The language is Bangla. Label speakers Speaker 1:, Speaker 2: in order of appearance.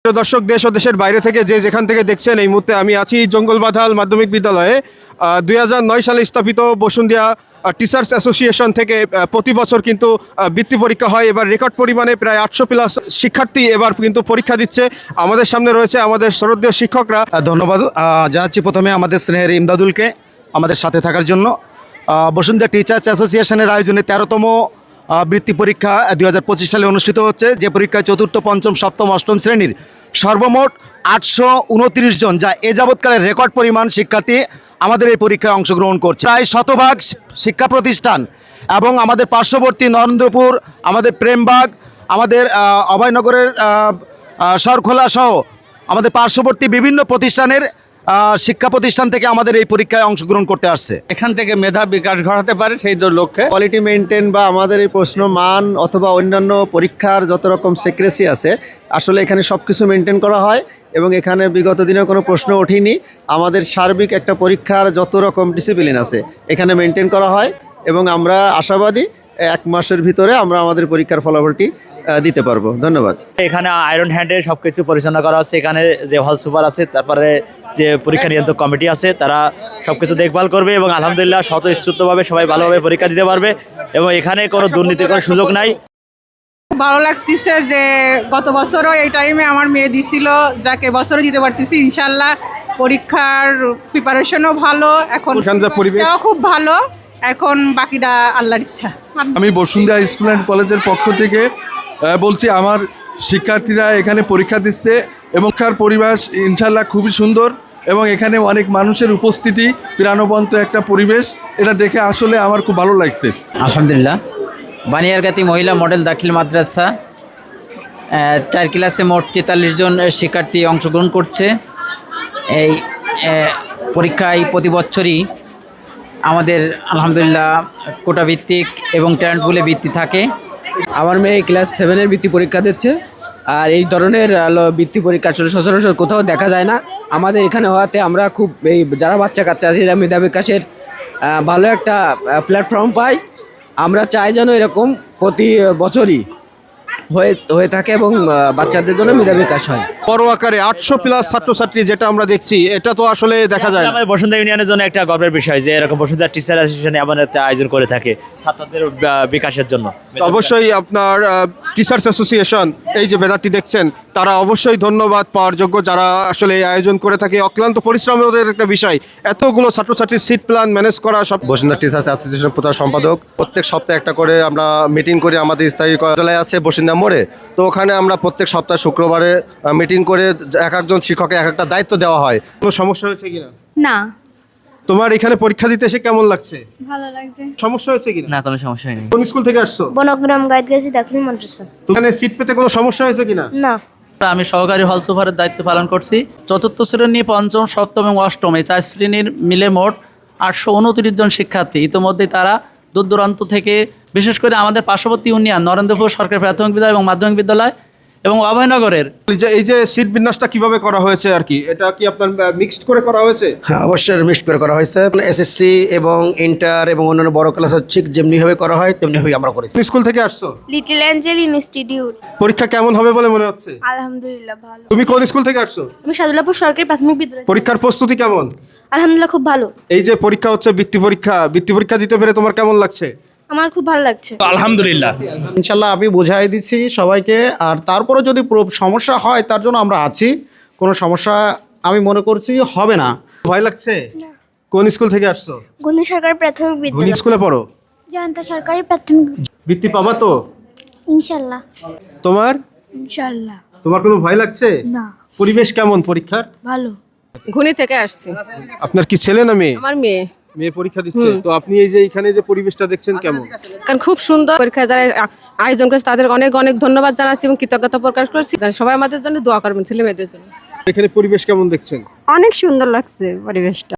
Speaker 1: প্রিয় দর্শক, দেশ ও দেশের বাইরে থেকে যে যেখান থেকে দেখছেন, এই মুহূর্তে আমি আছি জঙ্গলবাঁধাল মাধ্যমিক বিদ্যালয়ে। 2009 সালে স্থাপিত বসুন্ধিয়া টিচার্স অ্যাসোসিয়েশন থেকে প্রতি বছর কিন্তু বৃত্তি পরীক্ষা হয়। এবার রেকর্ড পরিমাণে প্রায় 800+ শিক্ষার্থী এবার কিন্তু পরীক্ষা দিচ্ছে। আমাদের সামনে রয়েছে আমাদের শ্রদ্ধেয় শিক্ষকরা।
Speaker 2: ধন্যবাদ জানাচ্ছি প্রথমে আমাদের স্নেহের ইমদাদুলকে আমাদের সাথে থাকার জন্য। বসুন্ধিয়া টিচার্স অ্যাসোসিয়েশনের আয়োজনে 13তম বৃত্তি পরীক্ষা 2025 সালে অনুষ্ঠিত হচ্ছে, যে পরীক্ষায় চতুর্থ, পঞ্চম, সপ্তম, অষ্টম শ্রেণীর সর্বমোট 829 জন, যা এ যাবৎকালের রেকর্ড পরিমাণ শিক্ষার্থী আমাদের এই পরীক্ষায় অংশগ্রহণ করছে। প্রায় শতভাগ শিক্ষা প্রতিষ্ঠান এবং আমাদের পার্শ্ববর্তী নরেন্দ্রপুর, আমাদের প্রেমবাগ, আমাদের অভয়নগরের সরখোলা সহ আমাদের পার্শ্ববর্তী বিভিন্ন প্রতিষ্ঠানের শিক্ষা প্রতিষ্ঠান থেকে আমাদের এই পরীক্ষায় অংশগ্রহণ করতে আসছে।
Speaker 3: এখান থেকে মেধা বিকাশ ঘটাতে পারে সেই লক্ষ্যে
Speaker 4: কোয়ালিটি মেনটেন বা আমাদের এই প্রশ্ন মান অথবা অন্যান্য পরীক্ষার যত রকম সিক্রেসি আছে, আসলে এখানে সব কিছু মেনটেন করা হয় এবং এখানে বিগত দিনে কোনো প্রশ্ন ওঠেনি। আমাদের সার্বিক একটা পরীক্ষার যত রকম ডিসিপ্লিন আছে এখানে মেনটেন করা হয় এবং আমরা আশাবাদী 1 মাসের ভিতরে আমরা আমাদের পরীক্ষার ফলাফলটি দিতে পারবো। ধন্যবাদ।
Speaker 5: এখানে আয়রন হ্যান্ডে সব কিছু পরিচালনা করা হচ্ছে। এখানে যে হল সুপার আছে, তারপরে যে পরীক্ষা নিয়ন্ত্রক কমিটি আছে, তারা সব কিছু দেখভাল করবে এবং আলহামদুলিল্লাহ স্বতঃস্ফূর্তভাবে সবাই ভালোভাবে পরীক্ষা দিতে পারবে এবং এখানে কোনো দুর্নীতির কোনো সুযোগ নাই।
Speaker 6: ভালো লাগতেছে যে গত বছরও এই টাইমে আমার মেয়ে দিছিল, যাকে বছরও দিতে পারতেছি ইনশাল্লাহ। পরীক্ষার প্রিপারেশনও ভালো, এখন পরীক্ষাও খুব ভালো, এখন বাকিটা আল্লাহর ইচ্ছা।
Speaker 7: আমি বসুন্ধিয়া স্কুল অ্যান্ড কলেজের পক্ষ থেকে বলছি, আমার শিক্ষার্থীরা এখানে পরীক্ষা দিচ্ছে এবং শিক্ষার পরিবেশ ইনশাল্লাহ খুবই সুন্দর এবং এখানে অনেক মানুষের উপস্থিতি, প্রাণবন্ত একটা পরিবেশ, এটা দেখে আসলে আমার খুব ভালো লাগছে।
Speaker 8: আলহামদুলিল্লাহ। বানিয়ারগাতি মহিলা মডেল দাখিল মাদ্রাসা 4 ক্লাসে মোট 43 জন শিক্ষার্থী অংশগ্রহণ করছে। এই পরীক্ষায় প্রতি বছরই আমাদের আলহামদুলিল্লাহ কোটা ভিত্তিক এবং ট্যালেন্ট পুলে বৃত্তি থাকে।
Speaker 9: আমার মেয়ে ক্লাস 7-এর বৃত্তি পরীক্ষা দিচ্ছে, আর এই ধরনের বৃত্তি পরীক্ষা সচরাচর কোথাও দেখা যায় না। আমাদের এখানে হওয়াতে আমরা খুব এই যারা বাচ্চা কাচ্চা আছে এরা মেধা বিকাশের ভালো একটা প্ল্যাটফর্ম পাই। আমরা চাই যেন এরকম প্রতি বছরই হয়ে থাকে এবং বাচ্চাদের জন্য মেধা বিকাশ হয়।
Speaker 1: বড় আকারে 800+ ছাত্রছাত্রী যেটা আমরা দেখছি, এটা তো আসলে দেখা যায় না।
Speaker 5: আমাদের বসুন্ধরা ইউনিয়নের জন্য একটা গর্বের বিষয় যে এরকম বসুন্ধরা টিচার অ্যাসোসিয়েশন এমন একটা আয়োজন করে থাকে ছাত্রদের বিকাশের জন্য।
Speaker 1: অবশ্যই আপনার টিচার্স অ্যাসোসিয়েশন, এই যে ব্যানারটি দেখছেন, তারা অবশ্যই ধন্যবাদ পাওয়ার যোগ্য, যারা আসলে এই আয়োজন করে থাকে। অক্লান্ত পরিশ্রমের একটা বিষয়, এতগুলো ছাত্রছাত্রীর সিট প্ল্যান ম্যানেজ করা সব।
Speaker 2: বসুন্ধিয়া টিচার্স অ্যাসোসিয়েশন প্রধান সম্পাদক, প্রত্যেক সপ্তাহে একটা করে আমরা মিটিং করি। আমাদের স্থায়ী কার্যালয় আছে বসুন্ধিয়া মোড়ে, তো ওখানে আমরা প্রত্যেক সপ্তাহে শুক্রবারে মিটিং করে এক একজন শিক্ষককে এক একটা দায়িত্ব দেওয়া হয়।
Speaker 1: কোনো সমস্যা হয়েছে কিনা?
Speaker 10: না।
Speaker 1: তোমার এখানে পরীক্ষা দিতে এসে কেমন লাগছে?
Speaker 10: ভালো লাগছে।
Speaker 1: সমস্যা হয়েছে কিনা?
Speaker 8: না, কোনো সমস্যা নেই।
Speaker 1: কোন স্কুল থেকে আসছো?
Speaker 10: বনগ্রাম গাইডগাছি দাখিল মাদ্রাসা।
Speaker 1: এখানে সিট পেতে কোনো সমস্যা হয়েছে কিনা?
Speaker 10: না।
Speaker 8: আমি সহকারী হল সুপারের দায়িত্ব পালন করছি। চতুর্থ শ্রেণী, পঞ্চম, সপ্তম এবং অষ্টম এই 4 শ্রেণীর মিলে মোট 829 জন শিক্ষার্থী। ইতিমধ্যে তারা দূর দূরান্ত থেকে, বিশেষ করে আমাদের পার্শ্ববর্তী ইউনিয়ন নরেন্দ্রপুর সরকারি প্রাথমিক বিদ্যালয় এবং মাধ্যমিক বিদ্যালয় এবং অভয়নগরের
Speaker 1: এই যে সিট বিন্যাসটা কিভাবে করা হয়েছে আর কি, এটা কি আপনার মিক্সড করে করা হয়েছে?
Speaker 2: হ্যাঁ, অবশ্যই মিক্সড করে করা হয়েছে। এসএসসি এবং ইন্টার এবং অন্যান্য বড় ক্লাসের ঠিক যেমনিভাবে করা হয় তেমনিভাবে আমরা করেছি।
Speaker 1: স্কুল থেকে আসছো?
Speaker 10: Little angel institute.
Speaker 1: পরীক্ষা কেমন হবে বলে মনে হচ্ছে?
Speaker 10: আলহামদুলিল্লাহ ভালো।
Speaker 1: তুমি কোন স্কুল থেকে আসছো?
Speaker 10: আমি সাদুল্লাপুর সরকারি প্রাথমিক বিদ্যালয়।
Speaker 1: পরীক্ষার প্রস্তুতি কেমন?
Speaker 10: আলহামদুলিল্লাহ খুব ভালো।
Speaker 1: এই যে পরীক্ষা হচ্ছে বৃত্তি পরীক্ষা দিতে পেরে তোমার কেমন লাগছে?
Speaker 10: আমার খুব ভালো লাগছে।
Speaker 5: আলহামদুলিল্লাহ।
Speaker 2: ইনশাল্লাহ আমি বোঝাই দিচ্ছি সবাইকে, আর তারপরে যদি সমস্যা হয় তার জন্য আমরা আছি। কোনো সমস্যা আমি মনে করছি হবে না।
Speaker 1: ভয় লাগছে? কোন স্কুল থেকে আসছো?
Speaker 10: গণি সরকারি প্রাথমিক
Speaker 1: কোন
Speaker 10: বিদ্যালয়।
Speaker 1: স্কুলে পড়ো?
Speaker 10: জয়ন্ত সরকারি প্রাথমিক।
Speaker 1: বৃত্তি পাবা তো?
Speaker 10: ইনশাআল্লাহ।
Speaker 1: তোমার?
Speaker 10: ইনশাআল্লাহ।
Speaker 1: তোমার কোনো ভয় লাগছে?
Speaker 10: না।
Speaker 1: পরিবেশ কেমন পরীক্ষার?
Speaker 10: ভালো।
Speaker 6: ঘুনি থেকে আসছি।
Speaker 1: আপনার কি ছেলে না মেয়ে?
Speaker 6: আমার মেয়ে।
Speaker 1: মেয়ে পরীক্ষা দিচ্ছে, তো আপনি এই যে এখানে যে পরিবেশটা দেখছেন কেমন?
Speaker 6: কারণ খুব সুন্দর পরীক্ষা যারা আয়োজন করেছে তাদের অনেক অনেক ধন্যবাদ জানাচ্ছি এবং কৃতজ্ঞতা প্রকাশ করছি। সবাই আমাদের জন্য দোয়া করবেন, ছেলে মেয়েদের জন্য।
Speaker 1: এখানে পরিবেশ কেমন দেখছেন?
Speaker 10: অনেক সুন্দর লাগছে পরিবেশটা।